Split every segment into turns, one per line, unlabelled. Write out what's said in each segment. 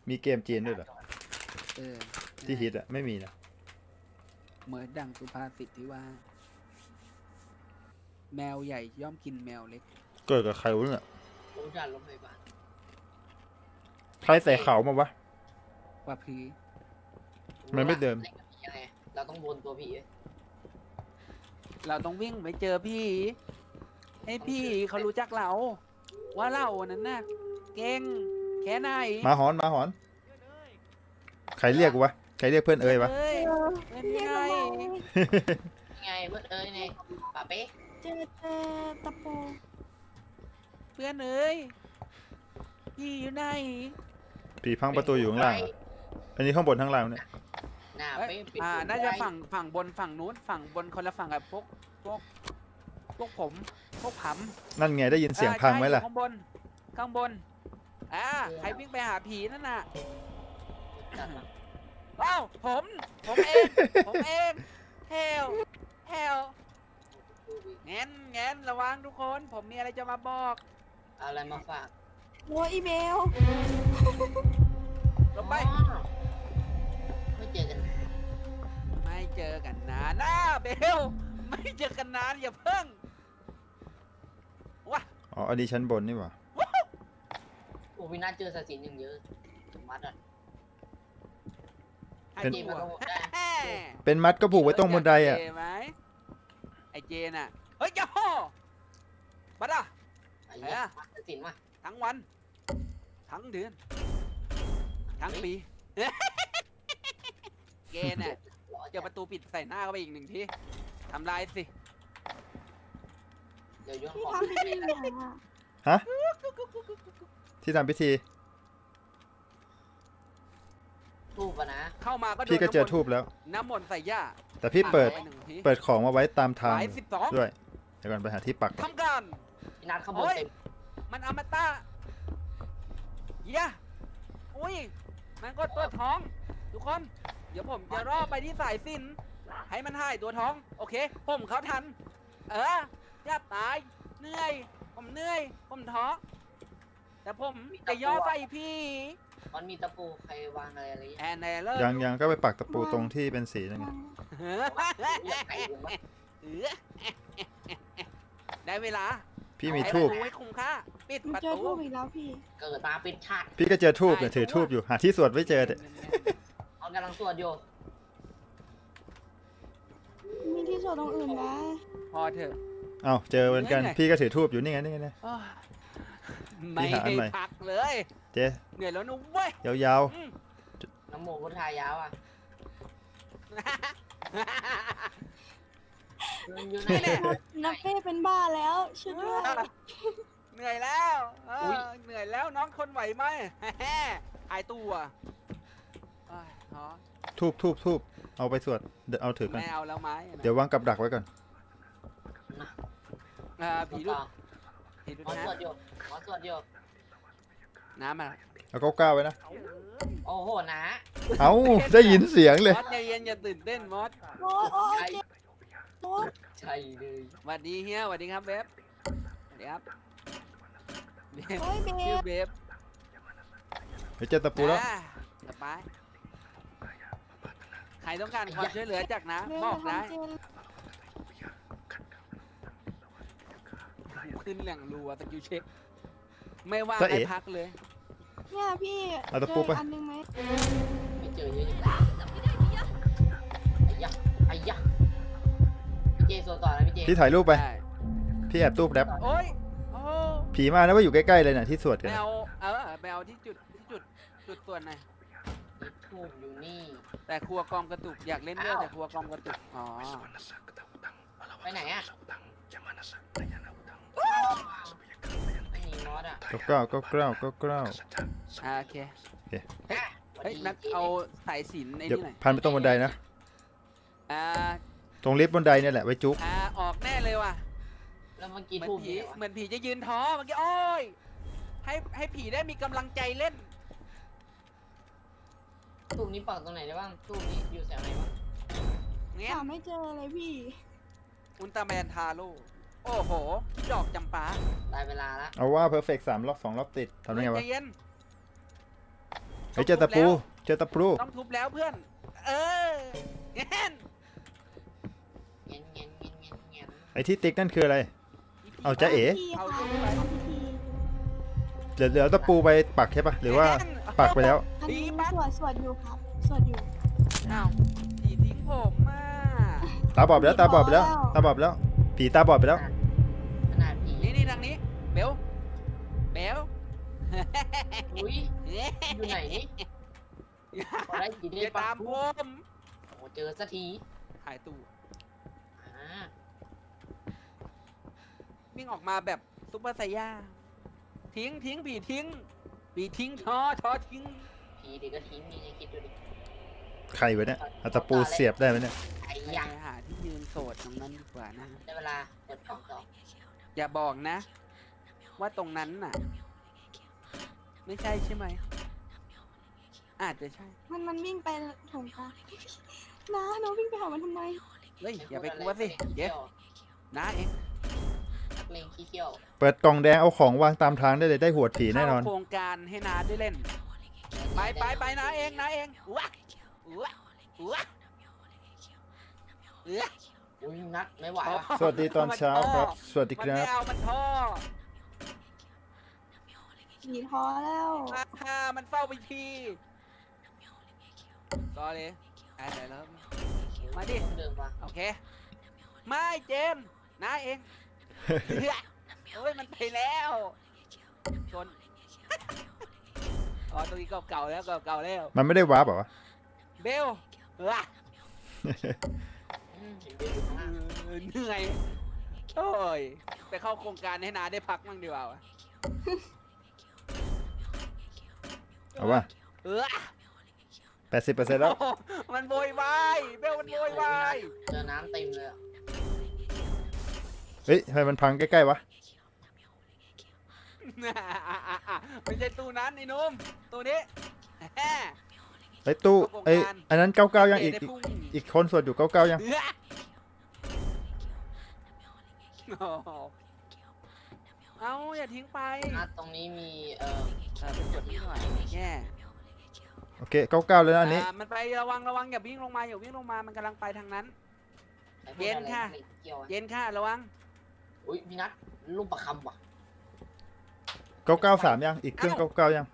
มีเกมจีนด้วยเหรอที่ฮิตอะไม่มีนะ
เหมือนดังสุภาษิตที่ว่า แมวใหญ่ย่อมกินแมวเล็ก
เกิดกับใครวะเนี่ย
รู้จักรถพยาบาล
ใครใส่เขามาวะ
ว่าพี
มันไม่เดิม
ยังไงเราต้องวนตัวผี
เราต้องวิ่งไปเจอพี่ ให้พี่เขารู้จักเรา ว่าเรานั้นน่ะเก่งแค่ไหน
มาหอนมาหอน ใครเรียกวะใครเรียกเพื่อนเอ้ยวะ
เอ้ยเป็นไง
ยังไงเพื่อนเอ้ยเนี่ยป่าเป๊ะ
เจอตะปู
เพื่อนเอ้ยพี่อยู่ไหน
ผีพังประตูอยู่ข้างล่างอะอันนี้ข้างบนข้างล่างเนี่ย
หน้า
เอ้ย
เป๊ะปิด
น่าจะฝั่งบนฝั่งนู้นฝั่งบนคนละฝั่งกับพวกผมพวกผำ
นั่นไงได้ยินเสียงพังไหมล่ะ
ข้างบนข้างบนใครวิ่งไปหาผีนั่นน่ะ
จัดมา
ว้าวผมเองผมเองเฮลแงนระวังทุกคนผมมีอะไรจะมาบอก
เอาอะไรมาฝาก
โอ้อีเมล
ลงไป
อ๋อไม่เจอกันนาน
ไม่เจอกันนานนะเบลไม่เจอกันนานอย่าเพิ่งว้า
อ๋ออันนี้ชั้นบนนี่หว่า
โอ้วินาศเจอสถินอย่างเยอะมัดอ่ะ
ให้
เจมาต้องได้
เป็นมัดก็ผูกไว้ตรงบนไดอะ
เจไหมไอเจน่ะเฮ้ยอย่าห่อบัดอ่ะ
ไอ้เหี้ยมัดสถินมา
ทั้งวัน ทั้งเดือน ทั้งปี เกณฑ์น่ะ
หล่อ
เจอประตูปิดใส่หน้าเข้าไปอีกหนึ่งทีทำลายสิ
เดี๋ยวโยน
พี่
ของ
ทำพิธีอย่างอ่ะ
ฮะที่ทำพิธี
ทูบอะนะ
เข้ามาก็โดน
พี่ก็เจอทูบแล้ว
น้ำมนต์ใส่ย่า
แต่พี่เปิด
ไปหนึ่งที
เปิดของมาไว้ตามทาง
หมาย12
ด้วยเดี๋ยวก่อนไปหาที่ปัก
ทำการ
วินาศขบวน
โอ้ย
เต็ม
มันอมตะย่าอุ้ย มันก็ตัวท้อง ทุกคน เดี๋ยวผมจะรอไปที่สายสิญจนให้มันหายตัวท้อง โอเค ผมเขาทัน อย่าตาย เหนื่อย ผมเหนื่อย ผมท้อ แต่ผมจะย่อใส่พี่
มันมีตะปูใครวางอะไร
แอนแนเลอร์
ยังก็ไปปักตะปูตรงที่เป็นสีนั่นไง
อยากไก่ลงมา
ได้เวลา
พี่มีทูบ
ให้คุ้มค่า ปิด
มัน
ประ
เจอ
ตู
ทูบอีกแล้วพี่
เกิดมาเป็นชาติ
พี่ก็เจอทูบเนี่ยถือทูบอยู่หาที่สวดไม่เจอเนี่ย
เขากำลังสวดอยู่
มีที่สวดตรงอื่นนะ
พอเถอะ
เอ้าเจอเหมือนกัน
เหนื่อย
พี่ก็ถือทูบอยู่นี่ไงนี่ไงนี่
โอ้ยไม่
หาอัน
ให้
ใหม่
พักเลย
เจ๊
เหนื่อยแล้วนุ้เว้ย
ยาว
อืม
น้ำโมพุทธายาวอ่ะอยู่ไหน
นี่แหละ
นักเป้เป็นบ้าแล้วช่วยด้วย
เหนื่อยแล้วเหนื่อยแล้วน้องทนไหวไหม หายตัวเอ้ยอ๋อ
ๆทูบเอาไปสวดเดี๋ยวเอาถือกัน
ไม่เอาแล้วไหม
เดี๋ยววางกับดักไว้ก่อน
ผีดุผีดุ
หมอ
นะ
สวดอยู่หมอสวดอยู่
น้ำมา
เอาก้าวๆไว้นะ
โอ้โหนะ
เอ้าได้ยินเสียงเลย
มอสใจเย็นอย่าตื่นเต้นมอส
โอ้ยโอ้ยเจ็บโอ้ย
ใช่เลย
สวัสดีเฮียสวัสดีครับเบฟสวัสดีครับเบฟ
โอ้ยเบ
ชื่อ
ส
เบฟ
เดี๋ยวเจอตะปูแล้ว
สบายใครต้องการความช่วยเหลือจากนะ
เบส
บอกได้
ทำเจน
ขึ้นแหล่งรัวสกิลเช็คไม่ว่าง
จ๊ะเอ๋
ให้พักเลย
เนี่ยพี่
เอาตะปูไป
เจออันนึงไหม
ไม่เจอเยอะจังไอ้ยะไอ้ยะพี่เจสวดต่อนะพี่เจ
พี่ถ่ายรูปไป
ได้
พี่แอบตู้แป๊บ
โอ้ยโอ้
ผีมานะว่าอยู่ใกล้ๆเลยน่ะที่สวดกัน
แม
น่ะ
วแมวที่จุดส่วนไหน
ทูบอยู่นี่
แต่ครัวกอมกระตุกอยากเล่นด้วยแต่ครัวกอมกระตุกอ๋อ
ไปไหนอ่ะไม่มีมอสอ่ะ
ก็กล้าว
โอเคเฮ้ยนัดเอาสายสิญจน์ใน
เดี๋ยว
นี่หน่อย
พันไปตรงบันไดนะ
อ่า
ตรงลิฟต์บันไดเนี่ยแหละไว้จุ๊ก
ออกแน่เลยว่ะ
แล้วเมื่อกี้
เหมือน
ทูบ
ผี
อยู่ไหนวะ
เหมือนผีจะยืนท้อเมื่อกี้โอ้ยให้ผีได้มีกำลังใจเล่น
ทูบนี้ปักตรงไหนได้บ้างทูบนี้อยู่แถวไหนบ้าง
เงี้ย
หาไม่เจอเลยพี่
อุลตร้าแมนทาโร่โอ้โหดอกจำปา
ได้เวลาละ
เอาว่าเพอร์เฟกต์3 รอบ 2 รอบติดทำได้ไงวะ
ใจเย็น
เฮ้ยเจอตะปูเจอตะปู
ต้องทุบแล้วเพื่อน เออเงี้ย
เงี้ยเงี้ยเงี้ยเงี้ยเงี้ย
ไอ้ที่ติ๊กนั่นคืออะไร เอาจ๊ะเอ๋
พี่
เอา
ค่ะ
ทุบไป
พี่
เหลือตะปูไปปักใช่ปะหรือว่าปักไปแล้ว
อันนี้สวดอยู่ครับสวดอยู่
อ้าวผีทิ้งผมมา
ตาบอดไปแล้วตาบอดไปแล้วตาบอดไปแล้วผีตาบอดไปแล้ว
ขนาดผี
นี่ทางนี้เบลเบล
อุ้ยอยู่ไหนนี่พอได้กี่
อ
ได้
ย่า
ปะ
ตามผม
โอ้เจอสักที
หายตู้
อ่า
วิ่งออกมาแบบซุปเปอร์ไซย่าทิ้งผีทิ้งผีทิ้งท้อทิ้ง
ผีเด็กก็ทิ้งนี่คิดดูดิ
ใครวะเนี่ยเอาตะปูเสียบได้ไหมเนี่ย
ไอ้
ไป
ยะ
หาที่ยืนโสดตรงนั้นดีกว่านะ
ได้เวลาเปิดกล่องต่อ
อย่าบอกนะ ว่าตรงนั้นน่ะ ไม่ใช่ใช่ไหมอาจจะใช่
มันวิ่งไปถงกลางนะน้องวิ่งไปหามันทำไม
เฮ้ยอย่าไปกลัวสิเดี๋ยวนะเอง
นักเลงขี้เขี้ยว
เปิดกล่องแดงเอาของวางตามทางได้เลยได้หัวผีแน่นอน
เข้าโครงการให้นาได้เล่น ไปนะเองว้าว้าว้า
อุ้ยนักไม่ไหวว่ะ
สวัสดีตอนเช้าครับ สวัสดี
มัน
ครั
ไม่
บ
เอามันท่อ
ผีท้อแล้ว
มันเฝ้าไปทีต่อเลยไหนแล้ว มาดิ
เดินมา
โอเค ไม่เจมส์นะเองโอ้ยมันไปแล้วชนอ๋อตรงนี้เก่าๆแล้วเก่าๆแล้ว
มันไม่ได้วาร์ปเหรอวะ
เบลว้า
เห็นเดินอยู่ข้างล่าง
เหนื่อยโอ้ยไปเข้าโครงการให้นาได้พักมั่งดีกว่าวะ
เอาวะ
เออ
80%แล้ว
โอ้มันโวยวายเบลมันโวยวาย
เจอน้ำเต็มเลยอะ
เฮ้ยทำไมมันพังใกล้ๆวะ
ไม่ใช่ตู้นั้นไอ้หนุ่มตู้นี้แฮ่
ไอ้ตู้ไอ้อันนั้น99ยังอีก
ได้พุ่ง
อีกคนสวดอยู่99ยัง
เอื้อโอ้โหเอาอย่าทิ้งไป
นัดตรงนี้มี
ไปกดนิดหน่อยแย่
โอเค99แล้วนะอันนี้
มันไประวังอย่าวิ่งลงมามันกำลังไปทางนั้น
ไอ้พวก
เย็นค่ะ
อะไรเกี่ยวอะ
เย็นค่ะระวัง
อุ้ยพี่นัทลูกประคำว่ะ
993ยังอีกเครื่อง99ยัง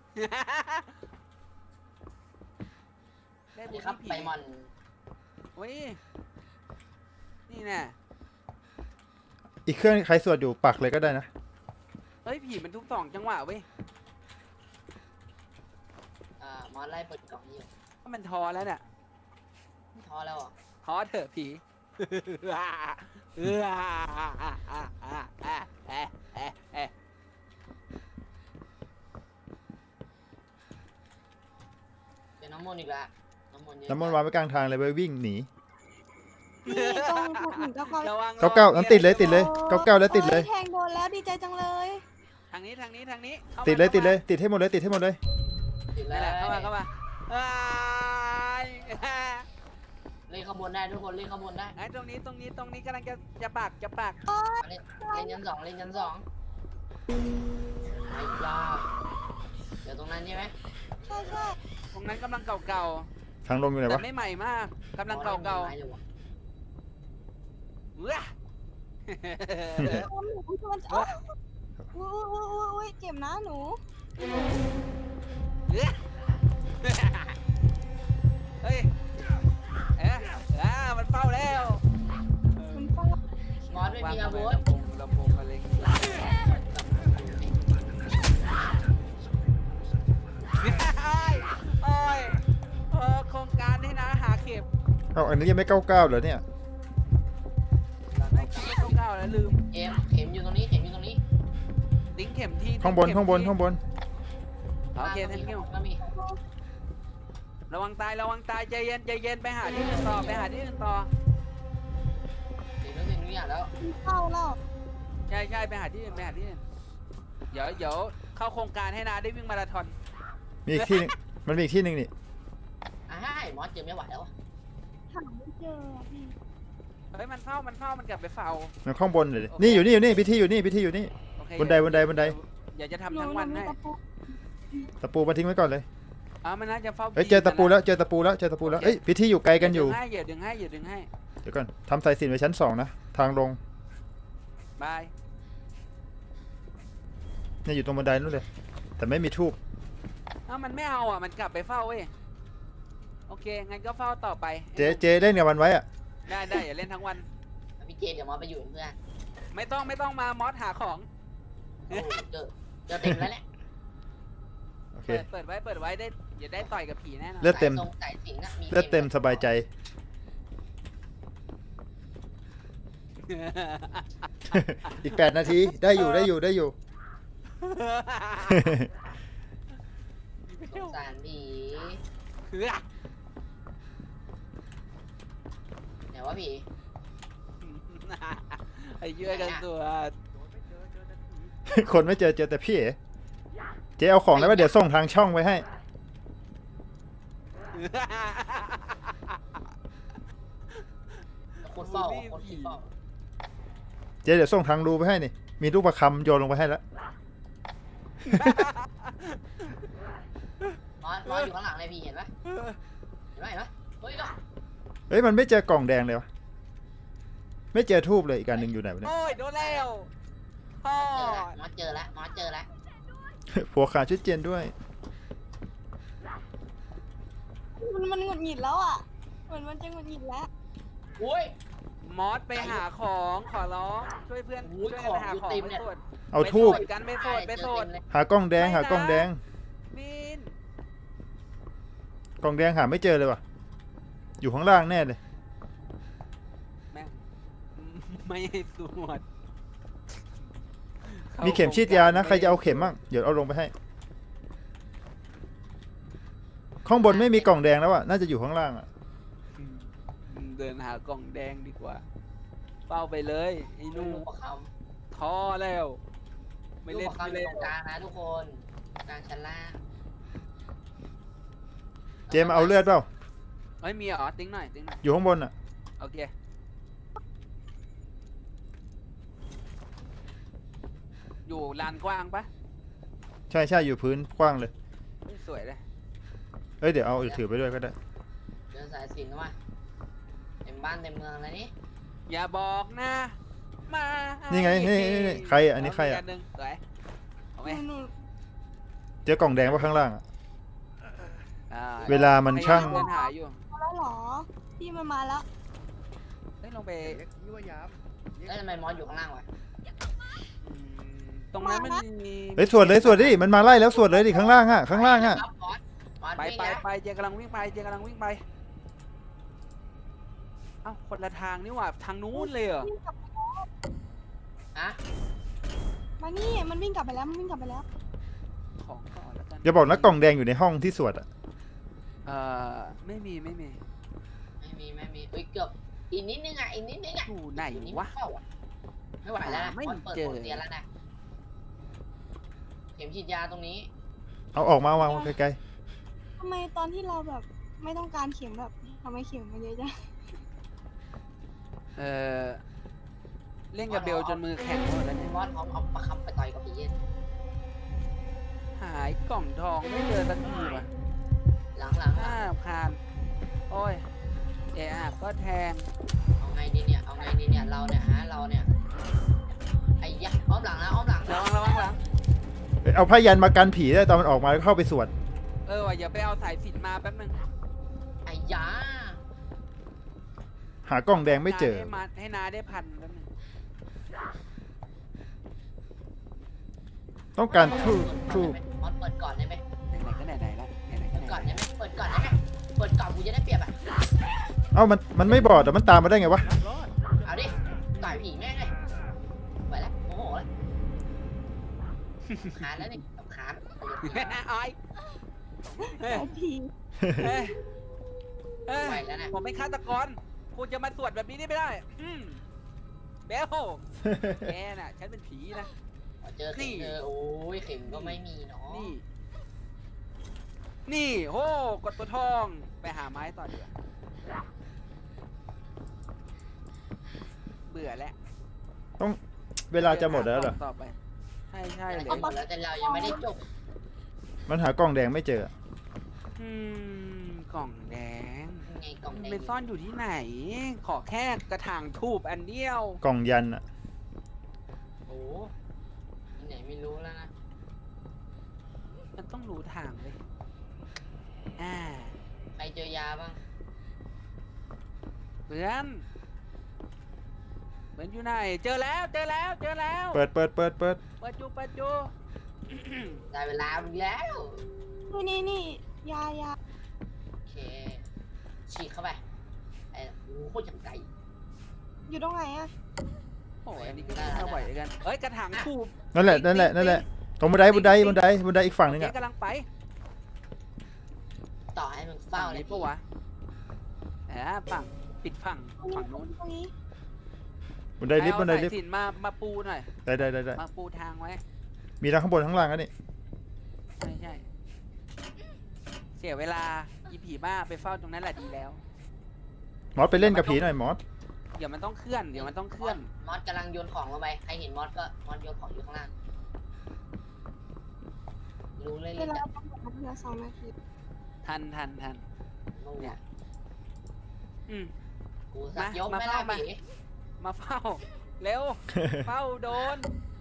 ได้
สวัส
บุ
ดี
ญ
ครับ
ผี
ไปมอน
โอ้ยนี่แน่
อีกเครื่องใครสวดอยู่ปักเลยก็ได้นะ
เฮ้ยผีมันทุกสองจังหวะเว้ย
มอนไล่เปิดกล่องนี้อยู่
ว่ามันทอแล้วเนี่ย
ไม่ท้อแล้วอ่ะ
ทอเถอะผีเออ
เจอน้ำมนต์อีกแล้วน้ำมนต์เยอะ
น้ำมันต์วางไว้กลางทางเลยไปวิ่งหนี
พี่ตรงถูกหนึ่งก็เขา
ระวัง
99นั้นติดเลย99แล้วติดเลย
แทงโดนแล้วดีใจจังเลย
ทางนี้ข้ามา
ติดเลยติดให้หมดเลยติดให้หมดเลย
ติดแล้
นั่
วน
แหละเข้ามาอ้าย
เล่นขบวนได้ทุกคนเล่นขบวนได้
ไอ้ตรงนี้กำลังจะปาก
เล่นยันสองเล่นยันสองไอ้ยาเดี๋ยวตรงนั้นใช่ไหม
ใช่ใช่
ตรงนั้นกำลังเก่า
ทางลงอยู่ไหน
ๆแต่
วะ
ไม่ใหม่มากกำลังเก่า
ไม้เลยวะ
ๆเว้ย
หนูมันอุ้ยเจ็บนะหนู
เฮ้ยมันเฝ้าแล้ว
มันฟาด
มอนไม่มีอาวุธ
ลำโพงอะไรโอ้ยโครงการนี่นะหาเข็ม
เอาอันนี้ยังไม่99เหรอเนี่ย
ไม่คิดว่าเก่าแล้วลืม
เข็มอยู่ตรงนี้เข็มอยู่ตรงนี้
ลิงก์เข็มที่
ข้างบน
โอเค
ตร
ท่าง น
นี้
กิ้ว
ก็มี
ระวังตายใจเย็นไปหาที่อื่นต่อ
เห็นแล้วทุกอย่างแล้ว
มันเข้าแล้ว
ใช่ไปหาที่อื่นเดี๋ยวเข้าโครงการให้นาได้วิ่งมาราธอน
มีอีกที่หนึงมันมีอีกที่หนึ่งนี่
มอนเจอไม่ไหวแล้วอะ
หาไม่เจอพี่
เฮ้ยมันเฝ้ามันกลับไปเฝ้า
มันข้างบนเลยนี่อยู่นี่พิธีอยู่นี่
โอเค
บันได
เดี๋ยวจะทำ
หนู
ทั้งวัน
มี
ให้
ตะปู
ตะปูมาทิ้งไว้ก่อนเลย
มันน่าจะเฝ้า
เอ้ยเจอตะปูแล้วเจอตะปูแล้วเจอตะปูแล้วเอ้ยพิธีอยู่ไกลกันอยู่
อย่าดึงให้อย่าดึงให้
เดี๋ยวก่อนทำสายสิญจน์ไว้ชั้น2นะทางลง
บาย
เนี่ยอยู่ตรงบันไดนู่นเลยแต่ไม่มีทูบ
มันไม่เอามันกลับไปเฝ้าเว้ยโอเคงั้นก็เฝ้าต่อไป
เจเล่นกับมันไว้อะ
ได้อย่าเล่นทั้งวัน
พี่เจเดี๋ยวมอสไปอยู่เป็นเพื่อน
ไม่ต้องมามอสหาของ
โอ้เจอเต็มแล้วแหละ
โอเค
เปิดไว้ได้อย่าได้ต่อยกับผีแน่นอน
เลือดเต็ม
สายสิงห์น่ะมี
เลือดเต็มสบายใจ อีก8 นาทีได้อยู่
สงสารผี
คือ
ไหนว่าผี
ไอ้เยื่อกันตัว
คนไม่เจอแต่พี่เอ๋เจ๊เอาของแล้วว่าเดี๋ยวส่งทางช่องไว้ให้
คนเฝ้าคนที่เฝ้า
เจ๊เดี๋ยวส่งทางรูไปให้นี่มีลูกประคำโยนลงไปให้แล้ว
มอสอยู่ข้างหลังเลยพี่เห็นปะเห็นปะเฮ้ย
เฮ้ยมันไม่เจอกล่องแดงเลยวะไม่เจอทูบเลยอีกการหนึ่งอยู่ไหนวะเนี่ย
โอ้ยโดนแล้วพ่อ
มอสเจอแล้ว
ผัวขาชุดเจนด้วย
มันหงุดหงิดแล้วอ่ะเหมือนมันจะหงุดหงิดแล้ว
อุ้ย
มอสไปหาของขอร้องช่วยเพื่อน
โอ้ย
ช่วยกันหาของ
ของอยู่
ไป
เต็มเนี่ย
สวด
เอาทูบ
ไปสวดกันไปสวด
หากล้องแดงหากล้องแดง
บิน
กล่องแดงหาไม่เจอเลยวะอยู่ข้างล่างแน่เลย
แม่งไม่ให้สวด
มีเข็มฉีดยานะใครจะเอาเข็มบ้างเดี๋ยวเอาลงไปให้ข้างบนไม่มีกล่องแดงแล้วอะน่าจะอยู่ข้างล่างอะ
เดินหากล่องแดงดีกว่าเฝ้าไปเลยไอ้ห
ลู
นุ่
กประค
ท้อแล้ว
ำ
ไม่เล่น
ลูกประ
ไม่
คำอ
เล่
ยู่
น
ตรงกลางนะทุกคนกลางชั้นล่าง
เจมาเอาเลือดเปล่า
ไม่มีเหรอติ้งหน่อย
อยู่ข้างบนอะ
โอเคอยู่ลานกว้างปะ
ใช่อยู่พื้นกว้างเลย
เฮ้ยสวยเลย
เอ้ยเดี๋ยวเอาถือไปด้วยก็ได้
เดินสายสิญจน์มาเต็มบ้านเต็มเมืองแล้วนี่
อย่าบอกนะมา
นี่ไงนี่ใครอะอันนี้ใครอะ
เาอีกนหนึ่งสวยเอาไหม
หนู
เจอกล่องแดงว่าข้างล่างอะ
อ่า
เวลามันช่าง
พยยเดินหาอยู่
มาแล้วเหรอพี่มันมาแล้ว
เฮ้ยลงไป
แล้วทำไมมอสอยู่ข้างล่างวะ
อืมตรงนั้นมันมี
เฮ้ยสวดดิมันมาไล่แล้วสวดเลยดิข้างล่างอะข้างล่างอะ
ครับมอส
ไป
วิ่ง
ไป
นะ
ไปเจกำลังวิ่งไปเอ้าคนละทางนี่หว่าทางนู้นเลยเหรอ
ฮะ
มานี่มันวิ่งกลับไปแล้ว
ของก่อนแล้วกัน
อย่าบอกนะกล่องแดงอยู่ในห้องที่สวดอะ
ไม่มี
ไม่มีอุ้ยเกือบอีกนิดนึงอ่ะ
อยู่ไหน
อยู่นี่
วะ
เข้าอ่ะไม่ไหวแล้วนะ
ไม่
มอสเปิด
เจอ
โปรเตียนแล้วนะเข็มฉีดยาตรงนี้
เอาออกมาวางไกล
ทำไมตอนที่เราแบบไม่ต้องการเข็มแบบทำไมเข็มมันเยอะจัง
เล่นกับเบลจนมือแข็งหมดแล้วเนี่ย
มอสเอาประคำไปต่อยกับผีเย็น
หายกล่องทองไม่เจอสักทีว่ะ
หลัง
น่าคานโอ้ยก็แทง
เอาไงดีเนี่ยเราเนี่ยไอ้ยักษ์อ้อมหลังนะ
ระวังหลัง
ๆเอาผ้ายันมากันผีได้ตอนมันออกมาแล้วเข้าไปสวด
ว่ะอย่าไปเอาสายสิญจน์มาแป๊บนึง
ไอ้ยา
หากล่องแดงไม่เจอ
ให้นาได้พันแป๊บนึง
ต้องการทูบ
มอสเปิดก่อนได้ไหม
ไหนๆก็ไหนๆแล้วไหนๆก็
เปิดก่อน
ไหน
ได้ไหมเปิดก่อนกูจะได้เปรียบอ่ะ
เอ้ามันไม่บอดแต่มันตามมาได้ไงวะ
เอาดิต่อยผีแม่งเลยไปแล้วโมโหแล้วขาดแล้วนี่กับขาด
ๆอ้อยเฮ้ย
ไอพี
เฮ้ยเฮ้ย
ไปแล้วนะ
ผมเป็นฆาตกรคุณจะมาสวดแบบนี้ได้ไม่ได้เบลแกน่ะฉันเป็นผีนะ
เจอเข็มโอ้ยเข็มก็ไม่มีเนาะ
นี่โหกดตัวทองไปหาไม้ต่อดีกว่าเบื่อแล้ว
เวลาจะหมดแล้วเหรอ
ต่อไปใช่เลย
หมดแล้วแต่เรายังไม่ได้จบ
มันหากล่องแดงไม่เจอ
มกล่องแดง
ไงกล่องแดง
ไปซ่อนอยู่ที่ไหน ขอแค่กระถางทูบอันเดียว
กล่องยันอะ
โอ้ที่ไหนไม่รู้แล้วนะ
มันต้องรู้ทางเลย
ใครเจอยาบ้าง
เพื่อนอยู่ไหน เจอแล้ว
เปิด
เปิดจู
ได้เวลาอีกแล้ว
นี่ยา
โอเคฉีกเข้าไปไอ้โอ้โหจังไกล
อยู่ตรงไหนอะ
โอ้ยอันนี้ก็ไม่ไหวกันเอ้ยกระถางทูบ
นั่นแหละตรงบันไดอีกฝั่งนึง
โอ
อะ
เคกำลังไป
ต่อให้มึงเฝ้าเลย
นี้ปะวะฝั่งปิดฝั่งนู้น
ตรงนี้
บันไดลิฟต์
เอาสายสิญจน์มาปูหน่อย
ได้
มาปูทางไว้
มีทั้งข้างบนข้างล่างกันนี่
ใช่ เสียเวลาอีผีบ้าไปเฝ้าตรงนั้นแหละดีแล้ว
มอสไปเล่นกับผีหน่อยมอส
เดี๋ยวมันต้องเคลื่อน
มอสกำลังโยนของลงไปใครเห็นมอสก็มอสโยนของอยู่ข้างล่างรู้เลย
เว
เลย
ลา
จ้ะ
ประมาณเหลือ2 นาที
ทัน
นู่น
เนี่ย
กูสักยก
มา
ไม่ได้
มา
ผี
มาเฝ้า เร็ว เฝ้าโดน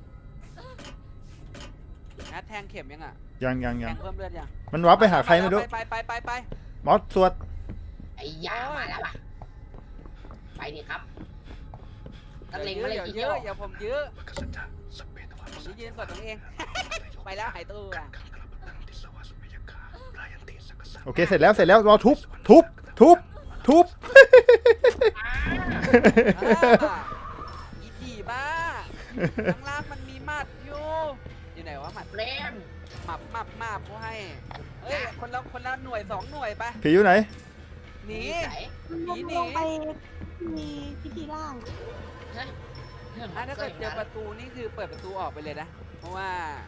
แทงเข็มยังอ่ะ
ยัง
แทงเพิ่มเลือดยัง
มันวับไปหาใครไม่รู้
ไป
มอสสวด
ไอ้ยามาแล้วป่ะไปดิครับตะเล็งมาเลยที
เย
เดียว
อะอย่าผมเยอะผมจะยืนกดตรงเอง ไปแล้วหายตัว
โอเคเสร็จแล้วรอทุบ
อีผีบ้าข้างล่างมันมีหมัดอยู่ไหนวะหมัด
เล่ม
หมับกูให้เฮ้ยคนละหน่วย2 หน่วยไป
ผีอยู่ไหน
หนี
ใส่
ลงไปมีพิธีร่าง
ถ้าเกิดเจอประตูนี่คือเปิดประตูออกไปเลยนะ เพราะว่า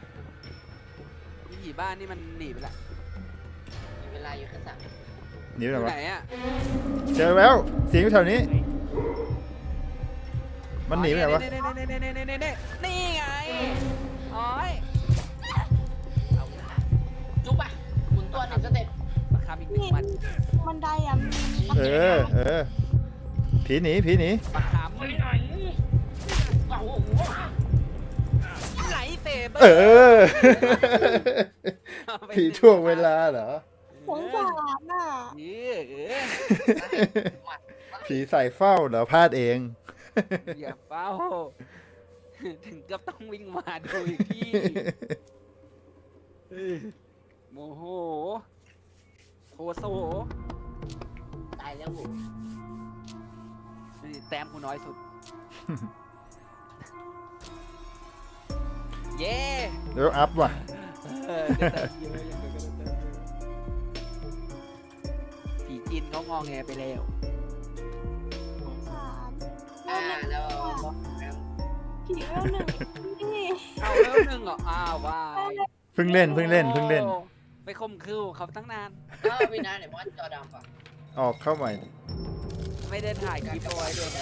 ผีบ้านนี่มันหนีไปละ
มีเวลาอยู่แค่3
หนีไป
อ
ไหน
ยู่
วะ
ไหนอ่ะ
เจอแล้วเสียงอยู่แถวนี้ มันหนีไปไหนวะ
นี่ไงโอ้ย
จุ๊บป่ะหมุนตัว1 สเต็ป
มาคำอีก1 วัน
บันไดอะมี
เออผีหนี
มาค
โอ้โห
ำไหลเสเบอ
เอ
ร์
อ ผีช่วงเวลาเหรอ
สงสารน่ะ
ผีใส่เฝ้าเหรอพลาดเอง
อย่าเฝ้า ถึงกับต้องวิ่งมาดูอีกที่โมโหโทโซ
ตายแล้ว
แต้มกูน้อยสุด เย้
เดี๋ยวอัพว่ะ
ได้แต้มเยอะอย่างเดียวก็ได้แต้มเยอะผีจีนเขางอแงไปแล้ว
สงสาร
แล้ว
ผีเวล 1นี่
เอาเริ่ม1เหรออ้าวว้าย
เพิ่งเล่น
โอ้ไปข่มขืนเขาตั้งนาน
พี่นาเนี่ยมอสจอดำป่ะ
ออกเข้าใหม่
ไม่ได้ถ่ายคลิปเอาไว้ด้วยนะ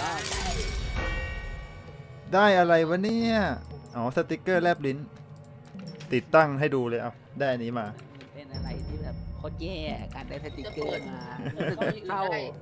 ได้อะไรวะเนี่ย อ๋อ สติกเกอร์แลบลิ้น ติดตั้งให้ดูเลยเอาได้อันนี้มา
เป็นอะไรที่แบบโคตรแย่การได้สติกเกอร์มา
เปิด
เข้า